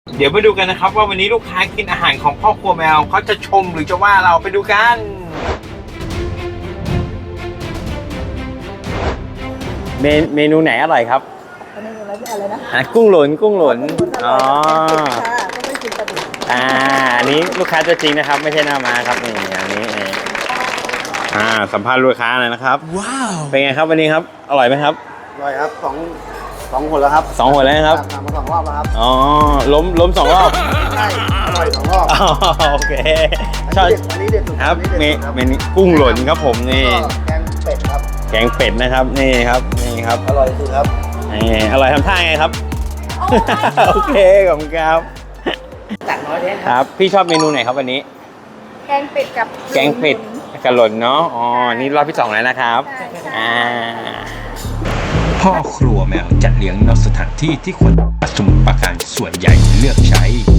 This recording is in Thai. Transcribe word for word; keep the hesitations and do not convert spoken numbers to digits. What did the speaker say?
เดี๋ยวมาดูกันนะครับว่าวันนี้ลูกค้ากินอาหารของพ่อครัวแมวเขาจะชมหรือจะว่าเราไปดูกันเมนเมนูไหนอร่อยครับอันนี้อะไรอะไรนะอ่ะกุ้งหลุนกุ้งหลุนอ๋อก็ไม่กินปลาดุกอ่าอันนี้ลูกค้าตัวจริงนะครับไม่ใช่หน้ามาครับนี่อันนี้อ่าสัมภาษณ์ลูกค้าหน่อยนะครับว้าวเป็นไงครับวันนี้ครับอร่อยไหมครับอร่อยครับสองสองคนแล้วครับสองคนแล้วครับทำมาสองรอบแล้วครับอ๋อล้มล้มสองรอบใช่อร่อยสองรอบโอเคชอบอันนี้เด็ดสุดครับเมเมนูกุ้งหล่นครับผมนี่แกงเป็ดครับแกงเป็ดนะครับนี่ครับนี่ครับอร่อยสุดครับนี่อร่อยทำท่าไงครับโอเคขอบคุณครับตักน้อยเด้ครับพี่ชอบเมนูไหนครับวันนี้แกงเป็ดกับแกงเป็ดกระหล่นเนาะอ๋อนี่รอบที่สองแล้วนะครับอ่าพ่อครัวแมวจัดเลี้ยงนอกสถานที่ที่คนสมุทรปราการส่วนใหญ่เลือกใช้